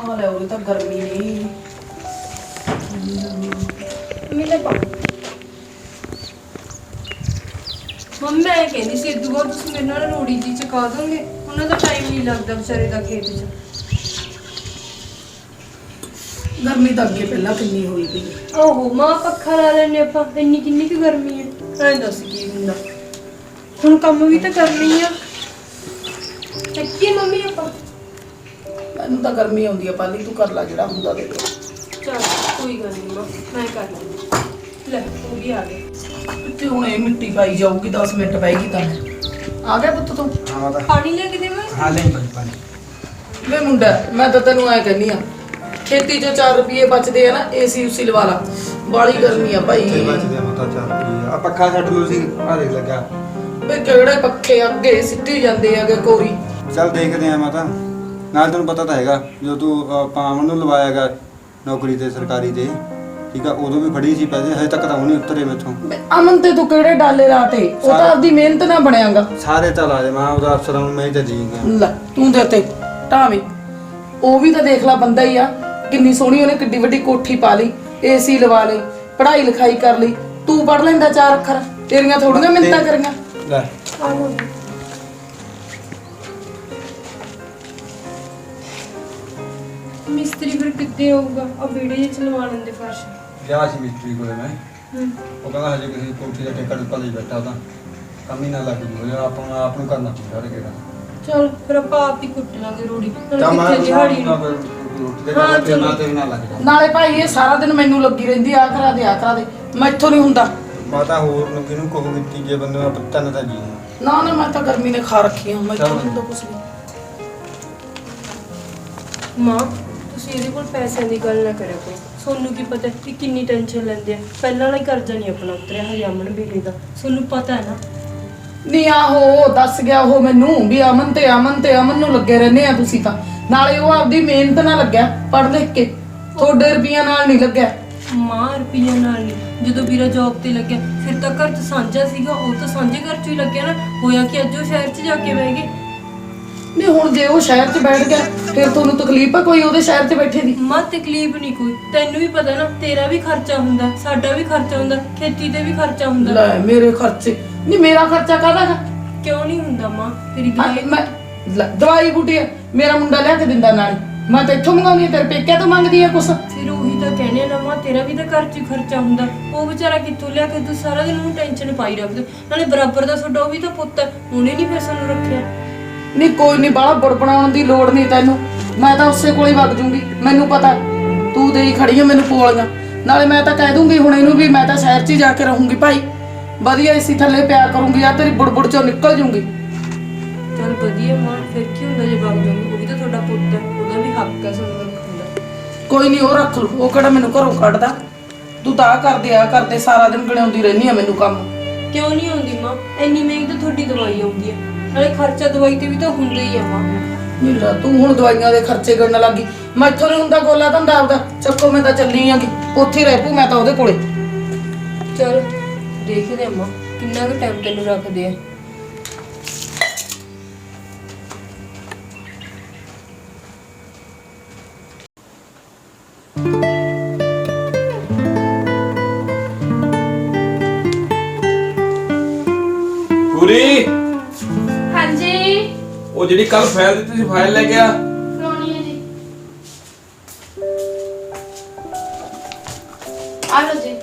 ਆ ਲੈ ਉਹ ਤਾਂ ਗਰਮੀ ਨਹੀਂ ਮਿਲੇ ਪਾਣੀ ਮੰਮੀ ਮੈਂ ਕਹਿੰਦੀ ਸੀ ਇਦੋਂ ਬਾਅਦ ਤੁਸੀਂ ਮੇਰੇ ਨਾਲ ਰੋੜੀ ਜੀ ਚਕਾ ਦੋਗੇ ਉਹਨਾਂ ਦਾ ਟਾਈਮ ਨਹੀਂ ਲੱਗਦਾ ਵਿਚਾਰੇ ਦਾ ਖੇਤ 'ਚ ਗਰਮੀ ਤਾਂ ਅੱਗੇ ਪਹਿਲਾਂ ਕਿੰਨੀ ਹੋਈ ਪਈ ਓਹੋ ਮਾਂ ਪੱਖਾ ਲਾ ਲੈਣੇ ਆਪਾਂ ਇੰਨੀ ਕਿੰਨੀ ਕੁ ਗਰਮੀ ਹੈ ਐਂ ਦੱਸ ਕੀ ਹੁੰਦਾ ਹੁਣ ਕੰਮ ਵੀ ਤਾਂ ਕਰਨੀ ਆ ਚੱਕੀ ਮੰਮੀ ਆਪਾਂ ਮੈਨੂੰ ਤਾਂ ਗਰਮੀ ਆਉਂਦੀ ਆ ਪਾਲੀ ਤੂੰ ਕਰ ਲੈ ਜਿਹੜਾ ਹੁੰਦਾ ਦੇ ਦੇ ਚਲ ਕੋਈ ਗੱਲ ਨਹੀਂ ਮਾਂ ਮੈਂ ਕਰ ਲੂੰਗੀ ਲੈ ਉਹ ਵੀ ਆ ਗਏ ਤੇ ਹੁਣ ਇਹ ਮਿੱਟੀ ਪਾਈ ਜਾਊਗੀ 10 ਮਿੰਟ ਪਏਗੀ ਤਾਂ ਆ ਗਿਆ ਪੁੱਤ ਤੂੰ हाँ बता ਪਾਣੀ ਲੈ ਕੇ ਦੇਵਾਂ हाँ ले पानी ਵੇ ਮੁੰਡਾ ਮੈਂ ਤਾਂ ਤੈਨੂੰ ਐ ਕਹਿੰਨੀ ਆ ਖੇਤੀ ਚੋਂ 4 ਰੁਪਏ ਬਚਦੇ ਆ ਨਾ ਏਸੀ ਉਸੀ ਲਵਾ ਲਾ ਬਾਲੀ ਗਰਮੀ ਆ ਭਾਈ ते बच गया मता 4 रुपये आ पक्का छट लो सी आ देख लगा ਵੇ ਕਿਹੜੇ ਪੱਖੇ ਅੱਗੇ ਸਿੱਟੀ ਜਾਂਦੇ ਆਗੇ ਕੋਰੀ चल देखते हैं माता नाल तेन पता तो हैगा जो तू पावन ਨੂੰ ਲਵਾਇਆਗਾ ਨੌਕਰੀ ਤੇ ਸਰਕਾਰੀ ਤੇ ਠੀਕ ਆ ਉਦੋਂ ਵੀ ਫੜੀ ਸੀ ਪੈਸੇ ਹਜੇ ਤੱਕ ਤਾਂ ਉਹ ਨਹੀਂ ਉਤਰੇ ਮੈਥੋਂ ਵੇ ਅਮਨ ਤੇ ਤੂੰ ਕਿਹੜੇ ਡਾਲੇ ਲਾਤੇ ਉਹ ਤਾਂ ਆਪਦੀ ਮਿਹਨਤ ਨਾਲ ਬਣਿਆਗਾ ਸਾਰੇ ਚੱਲ ਆ ਜਾ ਮੈਂ ਉਹਦਾ ਅਫਸਰਾਂ ਨੂੰ ਮੈਂ ਹੀ ਤਾਂ ਜੀ ਗਿਆ ਲੈ ਤੂੰ ਦੇ ਤੇ ਢਾਵੇਂ ਉਹ ਵੀ ਤਾਂ ਦੇਖ ਲੈ ਬੰਦਾ ਹੀ ਆ ਕਿੰਨੀ ਸੋਹਣੀ ਉਹਨੇ ਕਿੱਡੀ ਵੱਡੀ ਕੋਠੀ ਪਾ ਲਈ ਏਸੀ ਲਵਾ ਲਈ ਪੜ੍ਹਾਈ ਲਿਖਾਈ ਕਰ ਲਈ ਤੂੰ ਪੜ੍ਹ ਲੈਂਦਾ 4 ਅੱਖਰ ਤੇਰੀਆਂ ਥੋੜੀਆਂ ਮਿੰਤਾਂ ਕਰੀਆਂ ਲੈ ਮਿਸਤਰੀ ਫਿਰ ਕਿੱਦੇ ਆਊਗਾ ਆ ਵੀਡੀਓ ਜਿਹਾ ਚਲਵਾ ਲੈਂਦੇ ਫਰਸ਼ ਗਿਆ ਸੀ ਮਿਸਤਰੀ ਕੋਲੇ ਮੈਂ ਉਹ ਕਹਿੰਦਾ ਹਜੇ ਕਿਸੇ ਕੋਠੀ ਦਾ ਠੇਕਾ ਟੁੱਕਾ ਲਈ ਬੈਠਾ ਤਾਂ ਕੰਮ ਹੀ ਨਾ ਲੱਗ ਜੂ ਹਜੇ ਆਪਾਂ ਆਪ ਨੂੰ ਕਰਨਾ ਪਊਗਾ ਰੇ ਕਿਹੜਾ ਚਲ ਫਿਰ ਆਪਾਂ ਆਪ ਹੀ ਕੁੱਟ ਲਾਂਗੇ ਰੋੜੀ ਤਾਂ ਮੈਂ ਕਿੱਥੇ ਦਿਹਾੜੀ ਨੂੰ ਰੋਟੀ ਦੇ ਕੰਮ ਤੇ ਨਾ ਤੇ ਨਾ ਲੱਗ ਜਾ ਨਾਲੇ ਭਾਈ ਇਹ ਸਾਰਾ ਦਿਨ ਮੈਨੂੰ ਲੱਗੀ ਰਹਿੰਦੀ ਆ ਕਰਾ ਦੇ ਮੈਥੋਂ ਨਹੀਂ ਹੁੰਦਾ ਮਾਤਾ ਹੋਰ ਨੂੰ ਕਿਹਨੂੰ ਕਹੂਗੀ ਤੀਜੇ ਬੰਦੇ ਦਾ ਪੱਤਾ ਨਾ ਤਾਂ ਜੀ ਨਾ ਨਾ ਮੈਂ ਤਾਂ ਗਰਮੀ ਨੇ ਖਾ ਰੱਖੀ ਆ ਮੈਥੋਂ ਨਹੀਂ ਹੁੰਦਾ ਕੁਛ ਵੀ ਮਾਂ ਤੁਸੀਂ ਇਹਦੇ ਕੋਲ ਪੈਸਿਆਂ ਦੀ ਗੱਲ ਨਾ ਕਰਿਓ ਕੋਈ ਸੋਨੂੰ ਕੀ ਪਤਾ ਕਿ ਕਿੰਨੀ ਟੈਨਸ਼ਨ ਲੈਂਦੇ ਆ ਪਹਿਲਾਂ ਵਾਲਾ ਹੀ ਕਰਜ਼ਾ ਨਹੀਂ ਆਪਣਾ ਉਤਰਿਆ ਹਜੇ ਅਮਨ ਬੇਲੇ ਦਾ ਸੋਨੂੰ ਪਤਾ ਹੈ ਨਾ ਨਹੀਂ ਆਹੋ ਦੱਸ ਗਿਆ ਉਹ ਮੈਨੂੰ ਵੀ ਅਮਨ ਨੂੰ ਲੱਗੇ ਰਹਿੰਦੇ ਆ ਤੁਸੀਂ ਤਾਂ ਨਾਲੇ ਉਹ ਆਪਦੀ ਮਿਹਨਤ ਨਾਲ ਲੱਗਿਆ ਪੜ੍ਹ ਲਿਖ ਕੇ ਤੁਹਾਡੇ ਰੁਪਈਆਂ ਨਾਲ ਨਹੀਂ ਲੱਗਿਆ ਮਾਂ ਰੁਪਈਆ ਨਾਲ ਨਹੀਂ ਜਦੋਂ ਵੀਰਾ ਜੌਬ ਤੇ ਲੱਗਿਆ ਫਿਰ ਤਾਂ ਘਰ 'ਚ ਸਾਂਝਾ ਸੀਗਾ ਉਹ ਤਾਂ ਸਾਂਝੇ ਘਰ 'ਚ ਹੀ ਲੱਗਿਆ ਨਾ ਹੋਇਆ ਕਿ ਅੱਜ ਉਹ ਸ਼ਹਿਰ 'ਚ ਜਾ ਕੇ ਬਹਿ ਗਏ ਨਹੀਂ ਹੁਣ ਜੇ ਉਹ ਸ਼ਹਿਰ 'ਚ ਬੈਠ ਗਿਆ ਫਿਰ ਤੁਹਾਨੂੰ ਤਕਲੀਫ ਆ ਕੋਈ ਉਹਦੇ ਸ਼ਹਿਰ 'ਚ ਬੈਠੇ ਦੀ ਮਾਂ ਤਕਲੀਫ ਨਹੀਂ ਕੋਈ ਤੈਨੂੰ ਵੀ ਪਤਾ ਨਾ ਤੇਰਾ ਵੀ ਖਰਚਾ ਹੁੰਦਾ ਸਾਡਾ ਵੀ ਖਰਚਾ ਹੁੰਦਾ ਖੇਤੀ ਤੇ ਵੀ ਖਰਚਾ ਹੁੰਦਾ ਲੈ ਮੇਰੇ ਖਰਚੇ ਨਹੀਂ ਮੇਰਾ ਖਰਚਾ ਕਾਹਦਾ ਗਾ ਕਿਉਂ ਨਹੀਂ ਹੁੰਦਾ ਮਾਂ ਤੇਰੀ ਦਵਾਈ ਮੈਂ ਦਵਾਈ ਬੂਟੀ ਮੇਰਾ ਮੁੰਡਾ ਲਿਆ ਕੇ ਦਿੰਦਾ ਨਾਲ ਮੈਂ ਤਾਂ ਇੱਥੋਂ ਮੰਗਾਉਂਦੀ ਤੇਰੇ ਪੇਕਿਆਂ ਤੋਂ ਮੰਗਦੀ ਆ ਕੁਛ ਫਿਰ ਉਹੀ ਤਾਂ ਕਹਿੰਦੇ ਨਾ ਮਾਂ ਤੇਰਾ ਵੀ ਤਾਂ ਘਰ 'ਚ ਹੀ ਖਰਚਾ ਹੁੰਦਾ ਉਹ ਵਿਚਾਰਾ ਕਿੱਥੋਂ ਲਿਆ ਕੇ ਤੂੰ ਸਾਰਾ ਦਿਨ ਉਹਨੂੰ ਟੈਨਸ਼ਨ ਪਾਈ ਰੱਖਦੇ ਨਾਲੇ ਬਰਾਬਰ ਦਾ ਤੁਹਾਡਾ ਉਹ ਵੀ ਤਾਂ ਪੁੱਤ ਹੈ ਉਹਨੇ ਨਹੀਂ ਫਿਰ ਸਾਨੂੰ ਰੱਖਿਆ ਨਹੀਂ ਕੋਈ ਨਹੀਂ ਬਾਹਲਾ ਬੜਬੜਾਉਣ ਦੀ ਲੋੜ ਨਹੀਂ ਤੈਨੂੰ ਮੈਂ ਤਾਂ ਉਸੇ ਕੋਲ ਹੀ ਵਗ ਜੂੰਗੀ ਮੈਨੂੰ ਪਤਾ ਤੂੰ ਦੇਈ ਖੜੀ ਆ ਮੈਨੂੰ ਪੋਲੀਆਂ ਨਾਲੇ ਮੈਂ ਤਾਂ ਕਹਿ ਦੂੰਗੀ ਹੁਣ ਇਹਨੂੰ ਵੀ ਮੈਂ ਤਾਂ ਸ਼ਹਿਰ 'ਚ ਹੀ ਜਾ ਕੇ ਰਹੂੰਗੀ ਭਾਈ ਵਧੀਆ ਇਸੀ ਥੱਲੇ ਪਿਆਰ ਕਰੂੰਗੀ ਆ ਤੇਰੀ ਬੁੜਬੁੜ ਚੋਂ ਨਿਕਲ ਜੂੰਗੀ ਚਲ ਵਧੀਆ ਮਾਂ ਫਿਰ ਕੀ ਹੁੰਦਾ ਜੇ ਵਗ ਜਾਊਂਗੀ ਉਹ ਵੀ ਤਾਂ ਤੁਹਾਡਾ ਪੁੱਤ ਹੈ ਉਹਦਾ ਵੀ ਹੱਕ ਹੈ ਸਾਨੂੰ ਰੱਖਣ ਦਾ ਕੋਈ ਨਹੀਂ ਉਹ ਰੱਖ ਲੂ ਉਹ ਕਿਹੜਾ ਮੈਨੂੰ ਘਰੋਂ ਕੱਢਦਾ ਤੂੰ ਤਾਂ ਆ ਕਰਦੇ ਸਾਰਾ ਦਿਨ ਗਣਾਉਂਦੀ ਰਹਿੰਦੀ ਆ ਮੈਨੂੰ ਕੰਮ ਕਿਉਂ ਨਹੀਂ ਆਉਂਦੀ ਮਾਂ ਇੰਨੀ ਮਹਿੰਗੀ ਤਾਂ ਤੁਹਾਡੀ ਦਵਾਈ ਆਉਂਦੀ ਹੈ ਨਾਲੇ ਖਰਚਾ ਦਵਾਈ ਤੇ ਵੀ ਤਾਂ ਹੁੰਦਾ ਹੀ ਆ ਮਾਂ ਨੀਰਾ ਤੂੰ ਹੁਣ ਦਵਾਈਆਂ ਦੇ ਖਰਚੇ ਕਰਨ ਲੱਗੀ ਮੈਥੋਂ ਨਹੀਂ ਹੁੰਦਾ ਗੋਲਾ ਧੰਦਾ ਆਪਦਾ ਚੱਕੋ ਮੈਂ ਤਾਂ ਚੱਲੀ ਆਂਗੀ ਉੱਥੇ ਹੀ ਰਹਿ ਪੂ ਮੈਂ ਤਾਂ ਉਹਦੇ ਕੋਲੇ ਚਲ ਦੇਖਦੇ ਆ ਮਾਂ ਕਿੰਨਾ ਕੁ ਟਾਈਮ ਤੈਨੂੰ ਰੱਖਦੇ ਆ ਪੂਰੀ ਹਾਂਜੀ ਉਹ ਜਿਹੜੀ ਕੱਲ ਫਾਈਲ ਦਿੱਤੀ ਸੀ ਫਾਈਲ ਲੈ ਗਿਆ ਕਰਾਉਣੀ ਹੈ ਜੀ ਆ ਲਓ ਜੀ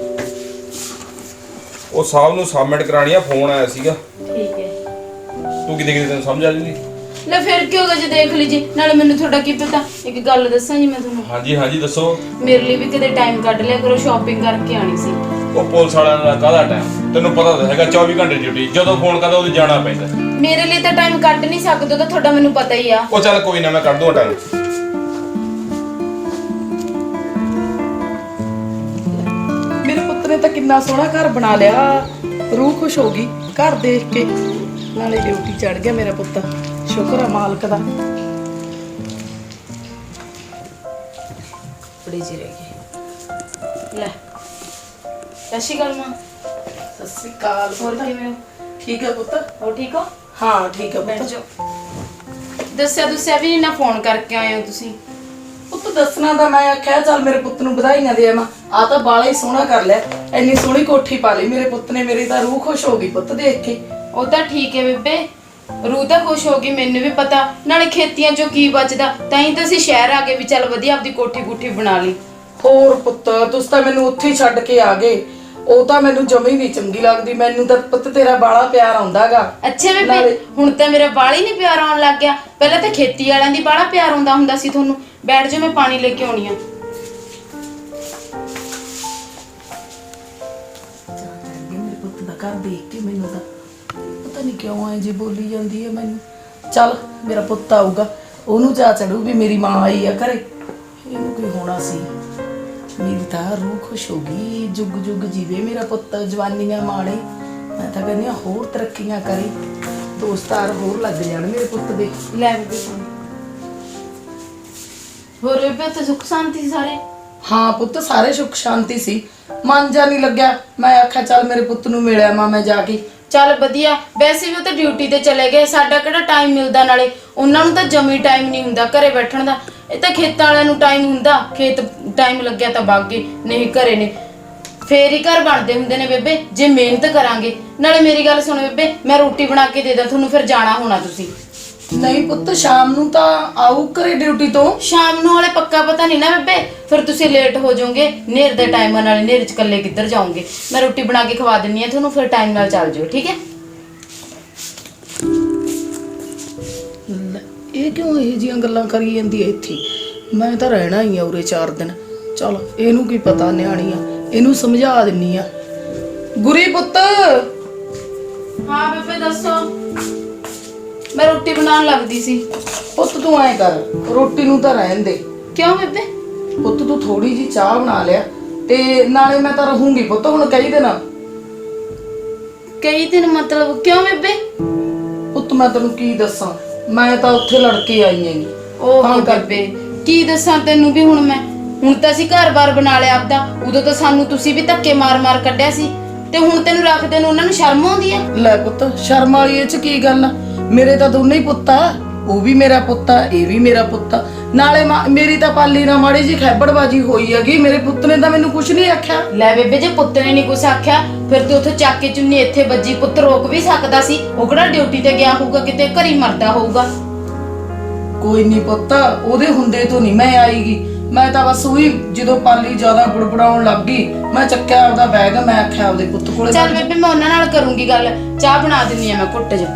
ਉਹ ਸਾਹਿਬ ਨੂੰ ਸਬਮਿਟ ਕਰਾਣੀ ਆ ਫੋਨ ਆਇਆ ਸੀਗਾ ਠੀਕ ਹੈ ਤੂੰ ਕਿਤੇ ਤੈਨੂੰ ਸਮਝ ਆ ਜੂਗੀ ਲੈ ਫਿਰ ਕੀ ਹੋਗਾ ਜੇ ਦੇਖ ਲੀਜੀ ਨਾਲੇ ਮੈਨੂੰ ਤੁਹਾਡਾ ਕੀ ਪਤਾ ਇੱਕ ਗੱਲ ਦੱਸਾਂ ਜੀ ਮੈਂ ਤੁਹਾਨੂੰ ਹਾਂਜੀ ਹਾਂਜੀ ਦੱਸੋ ਮੇਰੇ ਲਈ ਵੀ ਕਿਤੇ ਟਾਈਮ ਕੱਢ ਲਿਆ ਕਰੋ ਸ਼ਾਪਿੰਗ ਕਰਕੇ ਆਣੀ ਸੀ ਉਹ ਪੁਲਿਸ ਵਾਲਿਆਂ ਦਾ ਕਾਹਦਾ ਟਾਈਮ ਤੈਨੂੰ ਪਤਾ ਤਾਂ ਹੈਗਾ 24 ਘੰਟੇ ਡਿਊਟੀ ਜਦੋਂ ਫੋਨ ਕਰਦਾ ਉਦੋਂ ਜਾਣਾ ਪੈਂਦਾ ਮੇਰੇ ਲਈ ਤਾਂ ਟਾਈਮ ਕੱਢ ਨਹੀਂ ਸਕਦੇ ਤਾਂ ਤੁਹਾਡਾ ਮੈਨੂੰ ਪਤਾ ਹੀ ਆ ਉਹ ਚੱਲ ਕੋਈ ਨਾ ਮੈਂ ਕੱਢ ਦੂੰ ਟਾਈਮ ਮੇਰੇ ਪੁੱਤ ਨੇ ਤਾਂ ਕਿੰਨਾ ਸੋਹਣਾ ਘਰ ਬਣਾ ਲਿਆ ਰੂਹ ਖੁਸ਼ ਹੋ ਗਈ ਘਰ ਦੇਖ ਕੇ ਨਾਲੇ ਡਿਊਟੀ ਚੜ ਗਿਆ ਮੇਰਾ ਪੁੱਤ ਸ਼ੁਕਰ ਆ ਮਾਲਕ ਦਾ ਬੜੀ ਜੀ ਰਹਿ ਗਈ ਲੈ ਸਸ਼ੀ ਗੱਲ ਮਾਂ ਸਤਿ ਸ੍ਰੀ ਅਕਾਲ ਹੋਰ ਕਿਵੇਂ ਹੋ ਠੀਕ ਹੈ ਪੁੱਤ ਹੋ ਠੀਕ ਹੋ ਹਾਂ ਠੀਕ ਹੈ ਬੈਠ ਪੁੱਤ ਜਾਓ ਦੱਸਿਆ ਵੀ ਨਹੀਂ ਨਾ ਫੋਨ ਕਰਕੇ ਆਏ ਹੋ ਤੁਸੀਂ ਪੁੱਤ ਦੱਸਣਾ ਤਾਂ ਮੈਂ ਆਖਿਆ ਚੱਲ ਮੇਰੇ ਪੁੱਤ ਨੂੰ ਵਧਾਈਆਂ ਦੇ ਆਵਾਂ। ਆ ਤਾਂ ਬਾਲਾ ਹੀ ਸੋਹਣਾ ਕਰ ਲਿਆ, ਇੰਨੀ ਸੋਹਣੀ ਕੋਠੀ ਪਾ ਲਈ ਮੇਰੇ ਪੁੱਤ ਨੇ। ਮੇਰੀ ਤਾਂ ਰੂਹ ਖੁਸ਼ ਹੋ ਗਈ ਪੁੱਤ ਦੇਖ ਕੇ। ਉਹ ਤਾਂ ਠੀਕ ਹੈ ਬੇਬੇ, ਰੂਹ ਤਾਂ ਖੁਸ਼ ਹੋ ਗਈ, ਮੈਨੂੰ ਵੀ ਪਤਾ। ਨਾਲੇ ਖੇਤੀਆਂ ਚੋਂ ਕੀ ਬਚਦਾ, ਤਾਂ ਹੀ ਤਾਂ ਅਸੀਂ ਸ਼ਹਿਰ ਆ ਗਏ ਵੀ ਚੱਲ ਵਧੀਆ ਆਪਦੀ ਕੋਠੀ ਕੁੱਠੀ ਬਣਾ ਲਈ। ਹੋਰ ਪੁੱਤ ਤੁਸੀਂ ਤਾਂ ਮੈਨੂੰ ਉੱਥੇ ਹੀ ਛੱਡ ਕੇ ਆ ਗਏ। ਉਹ ਤਾਂ ਮੈਨੂੰ ਜਮੀ ਨਹੀਂ ਚੰਗੀ ਲੱਗਦੀ। ਮੈਨੂੰ ਤਾਂ ਪੁੱਤ ਤੇਰਾ ਬਾਲਾ ਪਿਆਰ ਆਉਂਦਾਗਾ। ਅੱਛਾ ਬੇਬੇ, ਹੁਣ ਤਾਂ ਮੇਰਾ ਬਾਲ ਹੀ ਨਹੀਂ ਪਿਆਰ ਆਉਣ ਲੱਗ ਗਿਆ। ਪਹਿਲਾਂ ਤਾਂ ਖੇਤੀ ਵਾਲਿਆਂ ਦੀ ਬਾਲਾ ਪਿਆਰ ਆਉਂਦਾ ਹੁੰਦਾ ਸੀ ਤੁਹਾਨੂੰ। ਬੈਠ ਜਾਓ, ਮੈਂ ਪਾਣੀ ਲੈ ਕੇ ਆਉਣੀ ਆ। ਮੇਰੇ ਪੁੱਤ ਦਾ ਘਰ ਦੇਖ ਕੇ ਮੈਨੂੰ ਤਾਂ ਪਤਾ ਨਹੀਂ ਕਿਉਂ ਐ ਜੀ ਬੋਲੀ ਜਾਂਦੀ ਹੈ ਮੈਨੂੰ। ਚੱਲ ਮੇਰਾ ਪੁੱਤ ਆਊਗਾ, ਉਹਨੂੰ ਜਾ ਚੜੂ ਵੀ ਮੇਰੀ ਮਾਂ ਆਈ ਆ ਘਰੇ। ਇਹਨੂੰ ਕੀ ਹੋਣਾ ਸੀ। ਮੇਰੀ ਤਾਂ ਰੂਹ ਖੁਸ਼ ਹੋ ਗਈ। ਜੁਗ ਜੁਗ ਜੀਵੇ ਮੇਰਾ ਪੁੱਤ, ਜਵਾਨੀਆਂ ਮਾਣੇ। ਮੈਂ ਤਾਂ ਕਹਿੰਦੀ ਹਾਂ ਹੋਰ ਤਰੱਕੀਆਂ ਕਰੇ, ਦੋਸਤਾਰ ਹੋਰ ਲੱਗ ਜਾਣ ਮੇਰੇ ਪੁੱਤ ਦੇ। ਲੈ ਬੇਬੇ ਪਾਣੀ। ਹੋਰ ਬੇਬੇ ਉੱਥੇ ਸੁੱਖ ਸ਼ਾਂਤੀ ਸੀ ਸਾਰੇ? ਹਾਂ ਪੁੱਤ ਸਾਰੇ ਸੁੱਖ ਸ਼ਾਂਤੀ ਸੀ। ਮਨ ਜਾ ਨਹੀਂ ਲੱਗਿਆ। ਮੈਂ ਆਖਿਆ ਚੱਲ ਮੇਰੇ ਪੁੱਤ ਨੂੰ ਮਿਲਿਆ ਮੈਂ ਜਾ ਕੇ। ਚੱਲ ਵਧੀਆ। ਵੈਸੇ ਵੀ ਉਹ ਤਾਂ ਡਿਊਟੀ ਤੇ ਚਲੇ ਗਏ, ਸਾਡਾ ਕਿਹੜਾ ਟਾਈਮ ਮਿਲਦਾ। ਨਾਲੇ ਉਹਨਾਂ ਨੂੰ ਤਾਂ ਜਮੀ ਟਾਈਮ ਨਹੀਂ ਹੁੰਦਾ ਘਰੇ ਬੈਠਣ ਦਾ। ਇਹ ਤਾਂ ਖੇਤਾਂ ਵਾਲਿਆਂ ਨੂੰ ਟਾਈਮ ਹੁੰਦਾ, ਖੇਤ ਟਾਈਮ ਲੱਗਿਆ ਤਾਂ ਵਗ ਗਏ, ਨਹੀਂ ਘਰੇ ਨੇ। ਫੇਰ ਹੀ ਘਰ ਬਣਦੇ ਹੁੰਦੇ ਨੇ ਬੇਬੇ, ਜੇ ਮਿਹਨਤ ਕਰਾਂਗੇ। ਨਾਲੇ ਮੇਰੀ ਗੱਲ ਸੁਣੋ ਬੇਬੇ, ਮੈਂ ਰੋਟੀ ਬਣਾ ਕੇ ਦੇ ਦਾਂ ਤੁਹਾਨੂੰ, ਫਿਰ ਜਾਣਾ ਹੋਣਾ ਤੁਸੀਂ। ਨਹੀਂ ਪੁੱਤ ਸ਼ਾਮ ਨੂੰ ਤਾਂ ਆਊ ਘਰੇ ਡਿਊਟੀ ਤੋਂ। ਸ਼ਾਮ ਨੂੰ ਵਾਲੇ ਪੱਕਾ ਪਤਾ ਨਹੀਂ ਨਾ ਬੇਬੇ, ਫਿਰ ਤੁਸੀਂ ਲੇਟ ਹੋ ਜਾਓਗੇ ਨੇਰ ਦੇ ਟਾਈਮ ਨਾਲ। ਨੇਰ ਚ ਇਕੱਲੇ ਕਿੱਧਰ ਜਾਓਗੇ। ਮੈਂ ਰੋਟੀ ਬਣਾ ਕੇ ਖਵਾ ਦਿੰਨੀ ਆ ਤੁਹਾਨੂੰ, ਫਿਰ ਟਾਈਮ ਨਾਲ ਚੱਲ ਜਿਓ, ਠੀਕ ਹੈ? ਲੈ, ਇਹ ਕਿਉਂ ਇਹ ਜੀਆਂ ਗੱਲਾਂ ਕਰੀ ਜਾਂਦੀ ਹੈ ਇੱਥੇ? ਮੈਂ ਤਾਂ ਰਹਿਣਾ ਹੀ ਆ ਉਰੇ 4 ਦਿਨ। ਚਲ ਇਹਨੂੰ ਕੀ ਪਤਾ, ਨਿਆਣੀ ਆ, ਇਹਨੂੰ ਸਮਝਾ ਦਿੰਨੀ ਆ। ਗੁਰੀ ਪੁੱਤ, ਹਾਂ ਬੇਬੇ ਦੱਸੋ। ਮੈਂ ਰੋਟੀ ਬਣਾਉਣ ਲੱਗਦੀ ਸੀ। ਪੁੱਤ ਤੂੰ ਐ ਕਰ, ਰੋਟੀ ਨੂੰ ਤਾਂ ਰਹਿਣ ਦੇ। ਕਿਉਂ ਬੇਬੇ? ਪੁੱਤ ਤੂੰ ਥੋੜੀ ਜੀ ਚਾਹ ਬਣਾ ਲਿਆ, ਤੇ ਨਾਲੇ ਮੈਂ ਤਾਂ ਰਹੂੰਗੀ ਪੁੱਤ ਹੁਣ ਕਈ ਦਿਨ। ਕਈ ਦਿਨ ਮਤਲਬ ਕਿਉਂ ਬੇਬੇ? ਪੁੱਤ ਮੈਂ ਤੈਨੂੰ ਕੀ ਦੱਸਾਂ, ਮੈਂ ਤਾਂ ਉੱਥੇ ਲੜ ਕੇ ਆਈ ਹੈਗੀ। ਉਹ ਬੇਬੇ ਕੀ ਦੱਸਾਂ ਤੈਨੂੰ ਵੀ। ਹੁਣ ਤਾਂ ਅਸੀਂ ਘਰ-ਬਾਰ ਬਣਾ ਲਿਆ ਆਪਦਾ। ਉਦੋਂ ਤਾਂ ਸਾਨੂੰ ਤੁਸੀਂ ਵੀ ਧੱਕੇ ਮਾਰ-ਮਾਰ ਕੱਢਿਆ ਸੀ, ਤੇ ਹੁਣ ਤੈਨੂੰ ਰੱਖਦੇ ਨੂੰ ਉਹਨਾਂ ਨੂੰ ਸ਼ਰਮ ਆਉਂਦੀ ਆ? ਲੈ ਪੁੱਤ ਸ਼ਰਮ ਵਾਲੀ ਇਹ ਚ ਕੀ ਗੱਲ ਆ? ਮੇਰੇ ਤਾਂ ਦੋਨੇ ਹੀ ਪੁੱਤ ਆ। ਉਹ ਵੀ ਮੇਰਾ ਪੁੱਤ ਆ, ਇਹ ਵੀ ਮੇਰਾ ਪੁੱਤ ਆ। ਨਾਲੇ ਮੇਰੀ ਤਾਂ ਪਾਲੀ ਨਾਲ ਮਾੜੀ ਜੀ ਖੈਬੜਬਾਜੀ ਹੋਈ ਹੈਗੀ। ਮੇਰੇ ਪੁੱਤ ਨੇ ਤਾਂ ਮੈਨੂੰ ਕੁਝ ਨਹੀਂ ਆਖਿਆ। ਲੈ ਬੇਬੇ, ਜੇ ਪੁੱਤ ਨੇ ਨਹੀਂ ਕੁਛ ਆਖਿਆ, ਫਿਰ ਤੂੰ ਉੱਥੇ ਚੱਕ ਕੇ ਚੁੰਨੀ ਇੱਥੇ ਵੱਜੀ। ਪੁੱਤ ਰੋਕ ਵੀ ਸਕਦਾ ਸੀ, ਉਹ ਕਿਹੜਾ ਡਿਊਟੀ ਤੇ ਗਿਆ ਹੋਊਗਾ, ਕਿਤੇ ਘਰੀ ਮਰਦਾ ਹੋਊਗਾ। ਕੋਈ ਨਹੀਂ ਪੁੱਤ, ਉਹਦੇ ਹੁੰਦੇ ਤੋਂ ਨਹੀਂ ਮੈਂ ਆਈਗੀ। ਮੈਂ ਤਾਂ ਬਸ ਉਹੀ ਜਦੋਂ ਪਾਲੀ ਜ਼ਿਆਦਾ ਬੁੜਬੜਾਉਣ ਲੱਗ ਗਈ, ਮੈਂ ਚੱਕਿਆ ਆਪਦਾ ਬੈਗ, ਮੈਂ ਆਖਿਆ ਆਪਦੇ ਪੁੱਤ ਕੋਲੇ। ਚੱਲ ਬੇਬੇ ਮੈਂ ਉਹਨਾਂ ਨਾਲ ਕਰੂੰਗੀ ਗੱਲ, ਚਾਹ ਬਣਾ ਦਿੰਨੀ ਆ ਮੈਂ ਘੁੱਟ ਜਾ।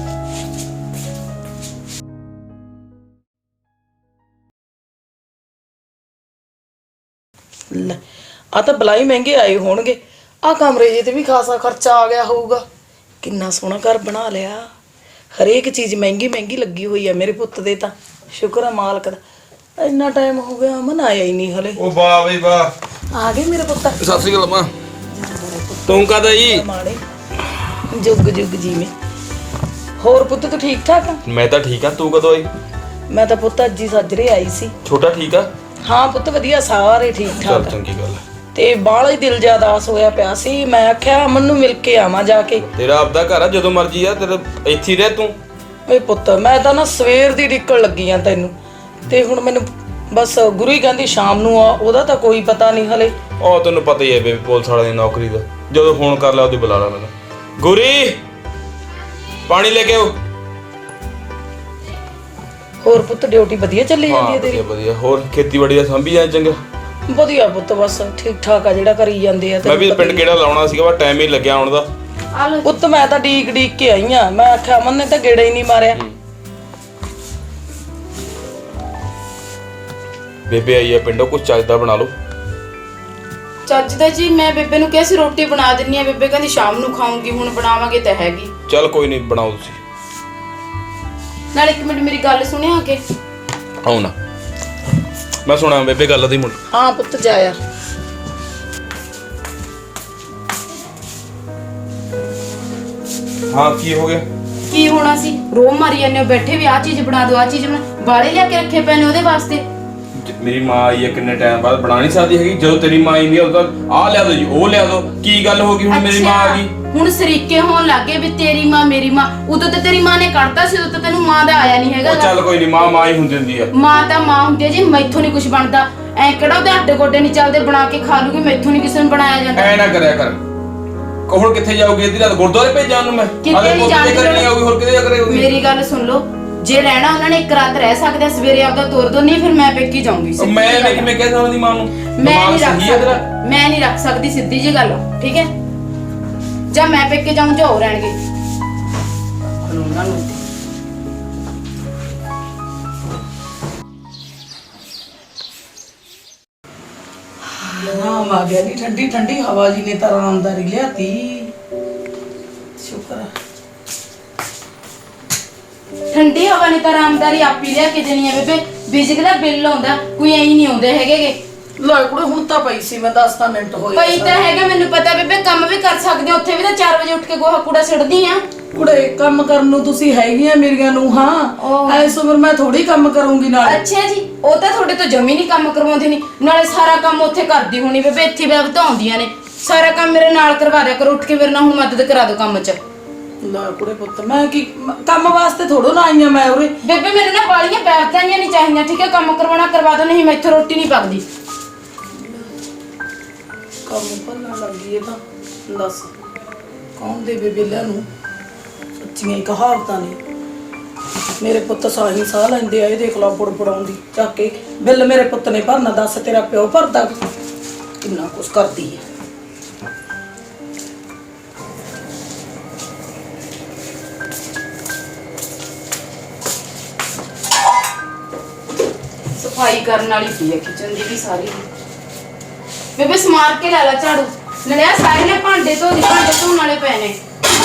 ਲੈ ਆ ਤਾਂ ਬਲਾਈ ਮਹਿੰਗੇ ਆਏ ਹੋਣਗੇ। ਆ ਕਮਰੇ ਜੇ ਤੇ ਵੀ ਖਾਸਾ ਖਰਚਾ ਆ ਗਿਆ ਹੋਊਗਾ। ਕਿੰਨਾ ਸੋਹਣਾ ਘਰ ਬਣਾ ਲਿਆ। ਹਰੇਕ ਚੀਜ਼ ਮਹਿੰਗੀ ਮਹਿੰਗੀ ਲੱਗੀ ਹੋਈ ਆ ਮੇਰੇ ਪੁੱਤ ਦੇ। ਤਾਂ ਸ਼ੁਕਰ ਆ ਮਾਲਕ ਦਾ, ਇੰਨਾ ਟਾਈਮ ਹੋ ਗਿਆ ਅਮਨ ਆਇਆ ਹੀ ਨਹੀਂ ਹਲੇ। ਉਹ ਵਾਹ ਬਈ ਵਾਹ, ਆ ਗਏ ਮੇਰੇ ਪੁੱਤ। ਸਤਿ ਸ੍ਰੀ ਅਕਾਲ ਮਾਂ। ਤੂੰ ਕਹਦਾ ਜੀ? ਮਾੜੇ ਜੁਗ ਜੁਗ ਜੀਵੇਂ। ਹੋਰ ਪੁੱਤ ਤੂੰ ਠੀਕ ਠਾਕ ਆ? ਮੈਂ ਤਾਂ ਠੀਕ ਆ, ਤੂੰ ਕਦੋਂ ਆਈ? ਮੈਂ ਤਾਂ ਪੁੱਤ ਅੱਜ ਹੀ ਸੱਜਰੇ ਆਈ ਸੀ। ਛੋਟਾ ਠੀਕ ਆ? ਹਾਂ ਪੁੱਤ ਵਧੀਆ, ਸਾਰੇ ਠੀਕ ਚੱਲ ਠਾਕ। ਚੰਗੀ ਗੱਲ। ਤੇ ਬਾਹਲਾ ਹੀ ਦਿਲ ਜਿਆਦਾ ਆਸ ਹੋਇਆ ਪਿਆ ਸੀ। ਮੈਂ ਆਖਿਆ ਅਮਨ ਨੂੰ ਮਿਲ ਕੇ ਆਵਾਂ ਜਾ ਕੇ। ਤੇਰਾ ਆਪਦਾ ਘਰ ਆ, ਜਦੋਂ ਮਰਜੀ ਆ, ਤੇਰਾ ਇੱਥੇ ਹੀ ਰਹਿ ਤੂੰ। ਓਏ ਪੁੱਤ ਮੈਂ ਤਾਂ ਨਾ ਸਵੇਰ ਦੀ ਡਿੱਕਣ ਲੱਗੀ ਆ ਤੈਨੂੰ, ਤੇ ਹੁਣ ਮੈਨੂੰ ਬਸ ਗੁਰੂ ਹੀ ਕਹਿੰਦੀ ਸ਼ਾਮ ਨੂੰ ਆ। ਉਹਦਾ ਤਾਂ ਕੋਈ ਪਤਾ ਨਹੀਂ ਹਲੇ। ਉਹ ਤੈਨੂੰ ਪਤਾ ਹੀ ਹੈ ਬੇਬੀ ਪੁਲਿਸ ਵਾਲੇ ਦੀ ਨੌਕਰੀ ਦਾ, ਜਦੋਂ ਫੋਨ ਕਰ ਲਿਆ ਉਹਦੀ ਬੁਲਾ ਲਾ ਮੈਨੂੰ। ਗੁਰੀ ਪਾਣੀ ਲੈ ਕੇ ਆਓ। ਹੋਰ ਪੁੱਤ ਡਿਊਟੀ ਵਧੀਆ ਚੱਲੀ ਜਾਂਦੀ ਹੈ ਤੇਰੀ? ਵਧੀਆ ਵਧੀਆ। ਹੋਰ ਖੇਤੀਬਾੜੀ ਦਾ ਸੰਭੀ ਜਾਂ ਚੰਗਾ? ਵਧੀਆ ਪੁੱਤ, ਬਸ ਠੀਕ ਠਾਕ ਆ ਜਿਹੜਾ ਕਰੀ ਜਾਂਦੇ ਆ। ਮੈਂ ਵੀ ਪਿੰਡ ਕਿਹੜਾ ਲਾਉਣਾ ਸੀਗਾ, ਪਰ ਟਾਈਮ ਹੀ ਲੱਗਿਆ ਆਉਣ ਦਾ। ਆ ਲੋ ਪੁੱਤ ਮੈਂ ਤਾਂ ਡੀਕ ਕੇ ਆਈ ਆ। ਮੈਂ ਆਖਿਆ ਅਮਨ ਨੇ ਤਾਂ ਗੇੜਾ ਹੀ ਨਹੀਂ ਮਾਰਿਆ। ਬੇਬੇ ਆਈ ਆ ਪਿੰਡੋਂ, ਕੁਝ ਚੱਜਦਾ ਬਣਾ ਲਓ। ਚੱਜ ਦਾ ਜੀ, ਮੈਂ ਬੇਬੇ ਨੂੰ ਕਿਹਾ ਸੀ ਰੋਟੀ ਬਣਾ ਦਿੰਨੀ ਆ। ਬੇਬੇ ਕਹਿੰਦੀ ਸ਼ਾਮ ਨੂੰ ਖਾਉਂਗੀ, ਹੁਣ ਬਣਾਵਾਂਗੇ ਤਾਂ ਹੈਗੀ। ਚੱਲ ਕੋਈ ਨਹੀਂ, ਬਣਾਓ ਤੁਸੀਂ। ਨਾਲ ਇੱਕ ਮਿੰਟ ਮੇਰੀ ਗੱਲ ਸੁਣਿਆ ਆ ਕੇ। ਆਉ ਨਾ, ਮੈਂ ਸੁਣਾ ਬੇਬੇ ਗੱਲ ਦੀ ਮੁੰਡ। ਹਾਂ ਪੁੱਤ ਜਾਇਆ। ਹਾਂ ਕੀ ਹੋ ਗਿਆ? ਕੀ ਹੋਣਾ ਸੀ? ਰੋ ਮਾਰੀ ਜਾਂਦੇ ਹੋ, ਬੈਠੇ ਵੀ ਆ ਚੀਜ਼ ਬਣਾ ਦਿਓ, ਆ ਚੀਜ਼ ਬਣਾ। ਵਾਲੇ ਲਿਆ ਕੇ ਰੱਖੇ ਪਏ ਨੇ ਉਹਦੇ ਵਾਸਤੇ। ਮੇਰੀ ਮਾਂ ਆਈ ਹੈ ਕਿੰਨੇ ਟਾਈਮ ਬਾਅਦ, ਬਣਾ ਨਹੀਂ ਸਕਦੀ ਹੈਗੀ? ਜਦੋਂ ਤੇਰੀ ਮਾਂ ਆਈ ਨਹੀਂ ਉਦੋਂ ਆ ਲਿਆ ਦੋ ਜੀ, ਉਹ ਲਿਆ ਦੋ। ਕੀ ਗੱਲ ਹੋ ਗਈ ਹੁਣ ਮੇਰੀ ਮਾਂ ਆ ਗਈ? ਹੁਣ ਸਰੀਕੇ ਹੋਣ ਲੱਗੇ ਵੀ ਤੇਰੀ ਮਾਂ ਮੇਰੀ ਮਾਂ। ਉਦੋਂ ਤਾਂ ਤੇਰੀ ਮਾਂ ਨੇ ਕੱਢਤਾ ਸੀ, ਉਦੋਂ ਤਾਂ ਤੈਨੂੰ ਮਾਂ ਦਾ ਆਇਆ ਨਹੀਂ ਹੈਗਾ। ਉਹ ਚੱਲ ਕੋਈ ਨਹੀਂ, ਮਾਂ ਹੀ ਹੁੰਦੀ ਹੁੰਦੀ ਆ। ਮਾਂ ਤਾਂ ਮਾਂ ਹੁੰਦੀ ਹੈ ਜੀ, ਮੈਥੋਂ ਨਹੀਂ ਕੁਝ ਬਣਦਾ। ਐ ਕਿਹੜਾ ਉਹਦੇ ਅੱਡੇ ਗੋਡੇ ਨਹੀਂ ਚੱਲਦੇ, ਬਣਾ ਕੇ ਖਾ ਲੂਗੀ। ਮੈਥੋਂ ਨਹੀਂ ਕਿਸੇ ਨੂੰ ਬਣਾਇਆ ਜਾਂਦਾ। ਐ ਨਾ ਕਰਿਆ ਕਰ। ਹੁਣ ਕਿੱਥੇ ਜਾਊਗੀ ਅੱਧੀ ਰਾਤ? ਗੁਰਦੁਆਰੇ ਭੇਜਾਂ ਨੂੰ ਮੈਂ? ਕਿਤੇ ਹਾਲੇ ਨਹੀਂ ਪੁੱਤ ਦੇ ਘਰੇ ਨਹੀਂ ਜਾਂਦੀ। ਆਊਗੀ, ਹੋਰ ਕਿਤੇ ਜਾ ਕਰੇਗੀ? ਮੇਰੀ ਗੱਲ ਸੁਣ ਲਓ, ਜੇ ਰਹਿਣਾ ਉਹਨਾਂ ਨੇ ਇੱਕ ਰਾਤ ਰਹਿ ਸਕਦੇ ਆ, ਸਵੇਰੇ ਆਪਦਾ ਤੋਰ ਦੋ, ਨਹੀਂ ਫਿਰ ਮੈਂ ਪੇਕੀ ਜਾਊਂਗੀ। ਸਿੱਧੀ ਮੈਂ ਜਿਹੀ ਗੱਲ ਆ। ਕਿਵੇਂ ਕਹਿ ਸਕਦੀ ਮਾਂ ਨੂੰ? ਮੈਂ ਦਿਮਾਗ ਨਹੀਂ ਰੱਖ ਸਹੀ ਹੈ ਤੇਰਾ? ਸਕਦੀ, ਮੈਂ ਨਹੀਂ ਰੱਖ ਸਕਦੀ, ਸਿੱਧੀ ਜੀ ਗੱਲ ਆ, ਠੀਕ ਹੈ? ਜਾਂ ਮੈਂ ਪੇਕੇ ਜਾਊਂ ਜਾਂ ਹੋ ਰਹਿਣਗੇ ਉਹਨਾਂ ਨੂੰ। ਆਰਾਮ ਆ ਗਿਆ ਨੀ, ਠੰਡੀ ਠੰਡੀ ਹਵਾ ਜੀ ਨੇ ਤਾਂ ਆਰਾਮਦਾਰੀ ਲਿਆਤੀ। ਸ਼ੁਕਰ ਆ। ਠੰਡੀ ਹਵਾ ਨੇ ਤਾਂ ਆਰਾਮਦਾਰੀ ਆਪੀ ਲਿਆ ਕੇ ਦੇਣੀ ਹੈ ਬੇਬੇ। ਬਿਜਲੀ ਦਾ ਬਿੱਲ ਆਉਂਦਾ, ਕੋਈ ਐਂ ਨਹੀਂ ਆਉਂਦੇ ਹੈਗੇਗੇ। ਲੈ ਕੁੜੇ ਹੁਣ ਤਾਂ ਪਈ ਸੀ, ਮੈਂ 10 ਮਿੰਟ ਹੋਏ ਪਈ ਤਾਂ ਹੈਗਾ, ਮੈਨੂੰ ਪਤਾ ਬੇਬੇ। ਕੰਮ ਵੀ ਕਰ ਸਕਦੇ, ਉੱਥੇ ਵੀ ਤਾਂ 4 ਵਜੇ ਉੱਠ ਕੇ ਗੋਹਾ ਕੂੜਾ ਸਿੱਟਦੀ ਆ। ਕੁੜੇ ਕੰਮ ਕਰਨ ਨੂੰ ਤੁਸੀਂ ਹੈਗੀਆਂ ਮੇਰੀਆਂ ਨੂੰ। ਓਹ। ਹਾਂ ਐਸ ਉਮਰ ਮੈਂ ਥੋੜੀ ਕੰਮ ਕਰੂੰਗੀ ਨਾਲ। ਅੱਛਾ ਜੀ, ਉਹ ਤਾਂ ਤੁਹਾਡੇ ਤੋਂ ਜਮੀ ਨਹੀਂ ਕੰਮ ਕਰਵਾਉਂਦੀ ਨਹੀਂ, ਨਾਲੇ ਸਾਰਾ ਕੰਮ ਉੱਥੇ ਕਰਦੀ ਹੋਣੀ ਬੇਬੇ। ਇੱਥੇ ਵੀ ਵਧਾਉਂਦੀਆਂ ਨੇ ਸਾਰਾ ਕੰਮ। ਮੇਰੇ ਨਾਲ ਕਰਵਾ ਦਿਆ ਕਰੋ, ਉੱਠ ਕੇ ਮੇਰੇ ਨਾਲ ਹੁਣ ਮਦਦ ਕਰਾ ਦਿਓ ਕੰਮ 'ਚ। ਲੈ ਕੁੜੇ ਪੁੱਤ, ਮੈਂ ਕੀ ਕੰਮ ਵਾਸਤੇ ਥੋੜੋ ਨਾ ਆਈਆਂ ਮੈਂ ਉਰੇ। ਬੇਬੇ ਮੈਨੂੰ ਨਾ ਬਾਲੀਆਂ ਬੈਠਾਈਆਂ ਨਹੀਂ ਚਾਹੀਦੀਆਂ, ਠੀਕ ਹੈ? ਕੰਮ ਕਰਵਾਉਣਾ ਕਰਵਾ ਦਿਓ, ਨਹੀਂ ਮੈਥੋਂ ਰੋਟੀ ਨਹੀਂ ਪੱਕਦੀ। ਕੰਮ ਭੰਨਣ ਲੱਗੀ ਇਹ ਤਾਂ। ਦੱਸ ਕੌਣ ਦੇ ਬੇਬੇਲਿਆਂ ਨੂੰ? ਸੱਚੀਆਂ ਹੀ ਕਹਾਵਤਾਂ ਨੇ। ਮੇਰੇ ਪੁੱਤ ਸਾਹੀ ਸਾਹ ਲੈਂਦੇ ਆ, ਇਹ ਦੇਖ ਲਾ ਬੁੜਬੁੜਾਉਂਦੀ ਚੱਕ ਕੇ ਬਿੱਲ ਮੇਰੇ ਪੁੱਤ ਨੇ ਭਰਨਾ। ਦੱਸ ਤੇਰਾ ਪਿਓ ਭਰਦਾ? ਕਿੰਨਾ ਕੁਛ ਕਰਦੀ ਹੈ। ਸਫਾਈ ਕਰਨ ਵਾਲੀ ਪਈ ਹੈ ਕਿਚਨ ਦੀ ਵੀ ਸਾਰੀ। ਬੇਬੇ ਸਮਾਰ ਕੇ ਲੈ ਲੈ ਝਾੜੂ। ਲੜਿਆ ਸਾਰੇ ਨੇ ਭਾਂਡੇ ਧੋਣ ਵਾਲੇ ਪਏ ਨੇ।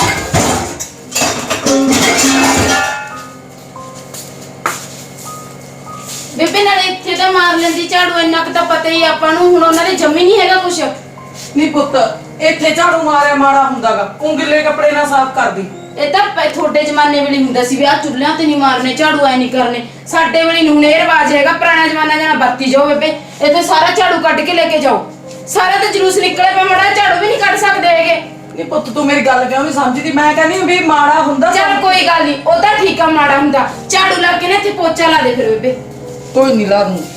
ਬੇਬੇ ਨਾਲੇ ਇੱਥੇ ਤਾਂ ਮਾਰ ਲੈਂਦੀ ਝਾੜੂ, ਇੰਨਾ ਕੁ ਤਾਂ ਪਤਾ ਹੀ ਆਪਾਂ ਨੂੰ। ਹੁਣ ਉਹਨਾਂ ਦੇ ਜੰਮੀ ਨਹੀਂ ਹੈਗਾ ਕੁਛ। ਨਹੀਂ ਪੁੱਤ, ਇੱਥੇ ਝਾੜੂ ਮਾਰਿਆ ਮਾੜਾ ਹੁੰਦਾਗਾ, ਉਂਗਲੇ ਕੱਪੜੇ ਨਾਲ ਸਾਫ਼ ਕਰਦੀ। ਇਹ ਤਾਂ ਤੁਹਾਡੇ ਜ਼ਮਾਨੇ ਵੇਲੇ ਹੁੰਦਾ ਸੀ ਵੀ ਆਹ ਚੁੱਲ੍ਹਿਆਂ ਤੇ ਨਹੀਂ ਮਾਰਨੇ ਝਾੜੂ, ਐ ਨਹੀਂ ਕਰਨੇ। ਸਾਡੇ ਵੇਲੇ ਨੂੰ ਇਹ ਰਿਵਾਜ ਹੈਗਾ, ਪੁਰਾਣਾ ਜ਼ਮਾਨਾ ਜਣਾ ਵਰਤੀ ਜਾਓ ਬੇਬੇ। ਇੱਥੇ ਸਾਰਾ ਝਾੜੂ ਕੱਢ ਕੇ ਲੈ ਕੇ ਜਾਓ। ਸਾਰਾ ਤਾਂ ਜਲੂਸ ਨਿਕਲੇ ਪਿਆ, ਮਾੜਾ ਝਾੜੂ ਵੀ ਨਹੀਂ ਕੱਢ ਸਕਦੇ ਹੈਗੇ। ਨਹੀਂ ਪੁੱਤ, ਤੂੰ ਮੇਰੀ ਗੱਲ ਕਿਉਂ ਨਹੀਂ ਸਮਝਦੀ? ਮੈਂ ਕਹਿੰਦੀ ਵੀ ਮਾੜਾ ਹੁੰਦਾ। ਚੱਲ ਕੋਈ ਗੱਲ ਨਹੀਂ, ਉਹ ਤਾਂ ਠੀਕ ਆ, ਮਾੜਾ ਹੁੰਦਾ। ਝਾੜੂ ਲਾ ਕੇ ਨਾ ਇੱਥੇ ਪੋਚਾ ਲਾ ਦੇ ਫਿਰ ਬੇਬੇ। ਕੋਈ ਨਹੀਂ ਲਾ ਦੂੰ।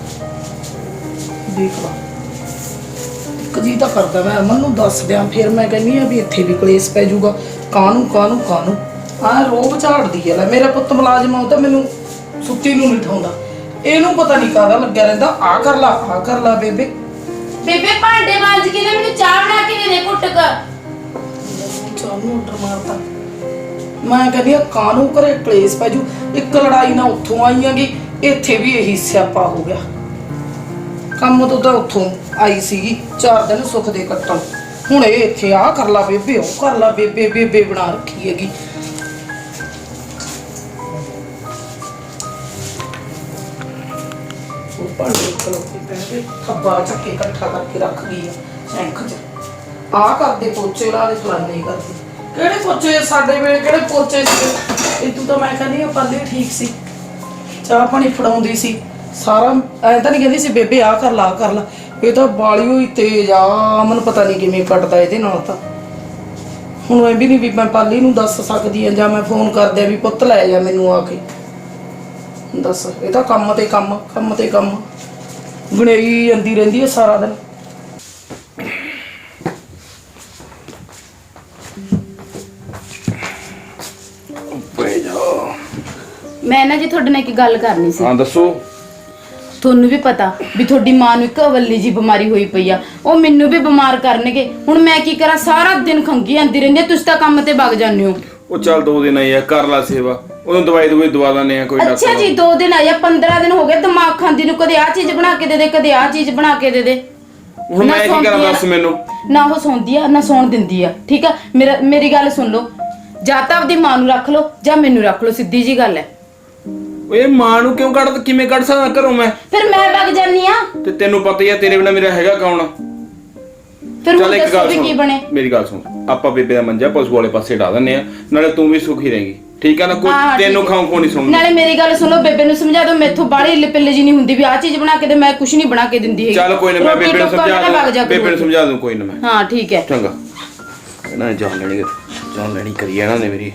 ਦੇਖ ਲਾ ਕਦੀ ਤਾਂ ਕਰਦਾ। ਮੈਂ ਅਮਨ ਨੂੰ ਦੱਸ ਦਿਆਂ, ਫਿਰ ਮੈਂ ਕਹਿੰਦੀ ਆ ਵੀ ਇੱਥੇ ਵੀ ਕਲੇਸ਼ ਪੈ ਜਾਊਗਾ। ਕਾਹਨੂੰ ਆਹ ਰੋਬ ਝਾੜਦੀ ਹੈ। ਲੈ ਮੇਰਾ ਪੁੱਤ ਮੁਲਾਜ਼ਮ ਆ, ਉਹ ਤਾਂ ਮੈਨੂੰ ਸੁੱਤੀ ਨੂੰ ਨਹੀਂ ਠਾਉਂਦਾ। ਇਹਨੂੰ ਪਤਾ ਨਹੀਂ ਕਾਹਦਾ ਲੱਗਿਆ ਰਹਿੰਦਾ। ਆ ਕਰ ਲਾ ਬੇਬੇ। ਬੇਬੇ ਭਾਂਡੇ ਮਾਂਜ ਕੇ ਨਾ ਮੈਨੂੰ ਚਾਹ ਬਣਾ ਕੇ ਦੇ ਦੇ ਘੁੱਟ ਕ। ਚਾਹਨੂੰ ਆਰਡਰ ਮਾਰਤਾ। ਮੈਂ ਕਹਿੰਦੀ ਆ ਕਾਹਨੂੰ ਘਰੇ ਕਲੇਸ਼ ਪੈ ਜੂ। ਇੱਕ ਲੜਾਈ ਨਾ ਉੱਥੋਂ ਆਈਆਂਗੀ, ਇੱਥੇ ਵੀ ਇਹੀ ਸਿਆਪਾ ਹੋ ਗਿਆ। ਕੰਮ ਤੋਂ ਤਾਂ ਉੱਥੋਂ ਆਈ ਸੀਗੀ 4 ਦਿਨ ਸੁੱਖ ਦੇ ਕੱਟਣ। ਹੁਣ ਇਹ ਇੱਥੇ ਆ ਕਰ ਲਾ ਬੇਬੇ, ਉਹ ਕਰ ਲਾ ਬੇਬੇ। ਬੇਬੇ ਬਣਾ ਰੱਖੀ ਹੈਗੀ। ਉਹ ਭਾਂਡੇ ਖਲੋਤੇ ਪਏ, ਥੱਬਾ ਚੱਕੇ ਇਕੱਠਾ ਕਰਕੇ ਰੱਖ ਗਈ ਆ ਸੈਂਖ 'ਚ। ਆ ਕਰਦੇ ਪੋਚੇ ਲਾ ਦੇ, ਫਲਾਨੇ ਕਰਦੀ। ਕਿਹੜੇ ਪੋਚੇ? ਸਾਡੇ ਵੇਲੇ ਕਿਹੜੇ ਪੋਚੇ ਸੀ? ਇਹ ਤੂੰ ਤਾਂ ਮੈਂ ਕਹਿੰਦੀ ਆ ਪੱਲੇ ਠੀਕ ਸੀ, ਚਾਹ ਪਾਣੀ ਫੜਾਉਂਦੀ ਸੀ ਸਾਰਾ। ਐ ਤਾਂ ਨਹੀਂ ਕਹਿੰਦੀ ਸੀ ਬੇਬੇ ਆ ਕਰ ਲਾ। ਇਹ ਤਾਂ ਬਾਲੀ ਹੋਈ ਤੇਜ਼ ਆ। ਮੈਨੂੰ ਪਤਾ ਨਹੀਂ ਕਿਵੇਂ ਕੱਟਦਾ ਇਹਦੇ ਨਾਲ ਤਾਂ। ਹੁਣ ਐ ਵੀ ਨਹੀਂ ਵੀ ਮੈਂ ਪਾਲੀ ਨੂੰ ਦੱਸ ਸਕਦੀ ਆ, ਜਾਂ ਮੈਂ ਫੋਨ ਕਰਦਿਆ ਵੀ ਪੁੱਤ ਲੈ ਜਾ ਮੈਨੂੰ ਆ ਕੇ। ਦੱਸ, ਇਹ ਤਾਂ ਕੰਮ ਤੇ ਕੰਮ ਗਣੇਈ ਜਾਂਦੀ ਰਹਿੰਦੀ ਹੈ ਸਾਰਾ ਦਿਨ। ਮੈਂ ਨਾ ਜੀ ਤੁਹਾਡੇ ਨਾਲ ਇੱਕ ਗੱਲ ਕਰਨੀ ਸੀ। ਹਾਂ ਦੱਸੋ। ਤੁਹਾਨੂੰ ਵੀ ਪਤਾ ਵੀ ਤੁਹਾਡੀ ਮਾਂ ਨੂੰ ਇੱਕ ਅਵੱਲੀ ਜੀ ਬਿਮਾਰੀ ਹੋਈ ਪਈ ਆ। ਉਹ ਮੈਨੂੰ ਵੀ ਬਿਮਾਰ ਕਰਨਗੇ। ਹੁਣ ਮੈਂ ਕੀ ਕਰਾਂ? ਸਾਰਾ ਦਿਨ ਖੰਗੀ ਆਂਦੀ ਰਹਿੰਦੀ ਆ। ਤੁਸੀਂ ਤਾਂ ਕੰਮ ਤੇ ਵਗ ਜਾਂਦੇ ਹੋ। ਉਹ ਚੱਲ 2 ਦਿਨ ਆਈ ਆ, ਕਰ ਲਾ ਸੇਵਾ। ਉਹਨੂੰ ਦਵਾਈ ਦਵਾ ਲੈਣੇ ਆ ਕੋਈ ਅੱਛਾ ਜੀ, 2 ਦਿਨ ਆਇਆ, 15 ਦਿਨ ਹੋ ਗਏ ਦਿਮਾਗ ਖਾਂਦੀ ਨੂੰ। ਕਦੇ ਆਹ ਚੀਜ਼ ਬਣਾ ਕੇ ਦੇ ਦੇ, ਕਦੇ ਆਹ ਚੀਜ਼ ਬਣਾ ਕੇ ਦੇ ਦੇ। ਹੁਣ ਮੈਂ ਕੀ ਕਰਾਂ ਦੱਸ ਮੈਨੂੰ? ਨਾ ਉਹ ਸੌਂਦੀ ਆ ਨਾ ਸੌਣ ਦਿੰਦੀ ਆ, ਠੀਕ ਆ? ਮੇਰੀ ਗੱਲ ਸੁਣ ਲਓ, ਜਾਂ ਤਾਂ ਆਪਦੀ ਮਾਂ ਨੂੰ ਰੱਖ ਲਓ ਜਾਂ ਮੈਨੂੰ ਰੱਖ ਲਓ, ਸਿੱਧੀ ਜੀ ਗੱਲ ਹੈ। ਓਏ ਮਾਂ ਨੂੰ ਕਿਵੇਂ ਕੱਢ ਸਕਦਾ ਘਰੋਂ ਮੈਂ? ਫਿਰ ਮੈਂ ਵਗ ਜਾਨੀ ਆ। ਤੇ ਤੈਨੂੰ ਪਤਾ ਹੀ ਆ ਤੇਰੇ ਬਿਨਾ ਮੇਰਾ ਹੈਗਾ ਕੌਣ? ਫਿਰ ਚੱਲ ਹੁਣ ਇੱਕ ਦੱਸੋ ਗੱਲ ਵੀ ਕੀ ਸੁਣ, ਬਣੇ। ਮੇਰੀ ਗੱਲ ਸੁਣ। ਆਪਾਂ ਬੇਬੇ ਦਾ ਮੰਜਾ ਪਸ਼ੂ ਵਾਲੇ ਪਾਸੇ ਢਾ ਦਿੰਨੇ ਆ, ਨਾਲੇ ਤੂੰ ਵੀ ਸੁਖੀ ਰਹੇਂਗੀ, ਠੀਕ ਆ ਨਾ? ਕੋਈ ਹਾਂ, ਤੈਨੂੰ ਠੀਕ ਹੈ। ਖਾਉਂ ਨਹੀਂ ਸੁਣਦਾ। ਨਾਲੇ ਮੇਰੀ ਗੱਲ ਸੁਣੋ, ਬੇਬੇ ਨੂੰ ਸਮਝਾ ਦਿਓ, ਮੈਥੋਂ ਬਾਹਲੀ ਇੱਲੇ ਪਿੱਲੇ ਜੀ ਨਹੀਂ ਹੁੰਦੀ ਵੀ ਆਹ ਚੀਜ਼ ਬਣਾ ਕੇ ਦੇ। ਮੈਂ ਕੁਝ ਨਹੀਂ ਬਣਾ ਕੇ ਦਿੰਦੀ ਹੈਗੀ। ਚੱਲ ਕੋਈ ਨਾ, ਮੈਂ ਰੋਟੀ ਬੇਬੇ ਨੂੰ ਟੁੱਕ ਵਾਲਾ ਵਗ ਜਾ ਸਮਝਾ ਦੂੰ। ਕਰੋ। ਬੇਬੇ ਨੂੰ ਸਮਝਾ ਦੂੰ, ਕੋਈ ਨਾ ਮੈਂ। ਹਾਂ ਠੀਕ ਹੈ। ਚੰਗਾ। ਇਹਨਾਂ ਨੇ ਜਾਨ ਲੈਣੀ ਕਰੀ ਇਹਨਾਂ ਨੇ ਮੇਰੀ।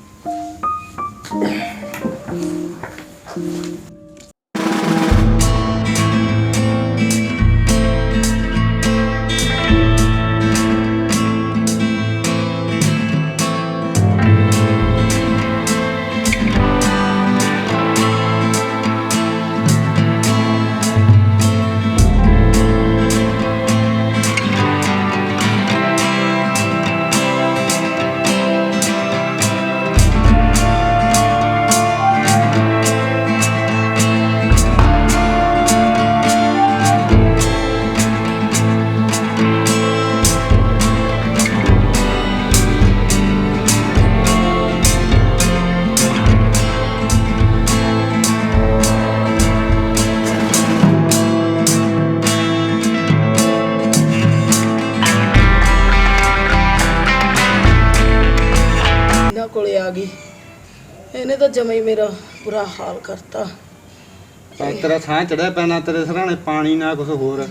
ਇਹਨਾਂ ਕੋਲੇ ਆ ਗਈ, ਇਹਨੇ ਤਾਂ ਜਮਾ ਹੀ ਮੇਰਾ ਬੁਰਾ ਹਾਲ ਕਰਤਾ। ਤੇਰਾ ਸਾਹ ਚੜਿਆ ਪੈਣਾ ਤੇਰੇ ਸਰਾਣੇ ਪਾਣੀ ਨਾ ਕੁਝ ਹੋਰ।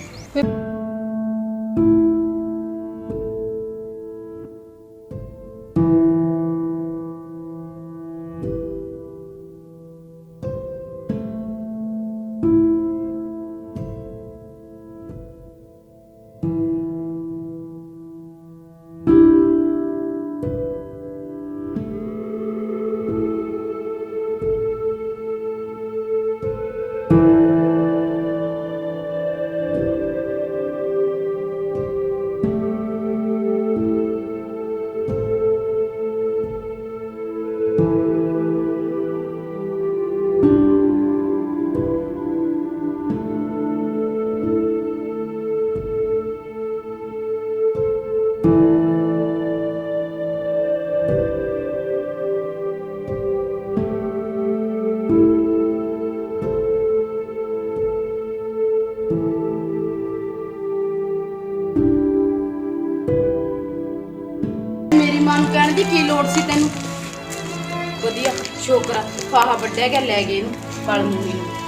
ਮੇਰੀ ਮਾਂ ਨੂੰ ਕਹਿਣ ਦੀ ਕੀ ਲੋੜ ਸੀ ਤੈਨੂੰ? ਵਧੀਆ ਸ਼ੋਕਰਾ ਫਾਹਾ ਵੱਢਿਆ ਗਿਆ ਲੈ ਗਏ ਇਹਨੂੰ ਪਲ ਮੂੰਗੀ ਨੂੰ।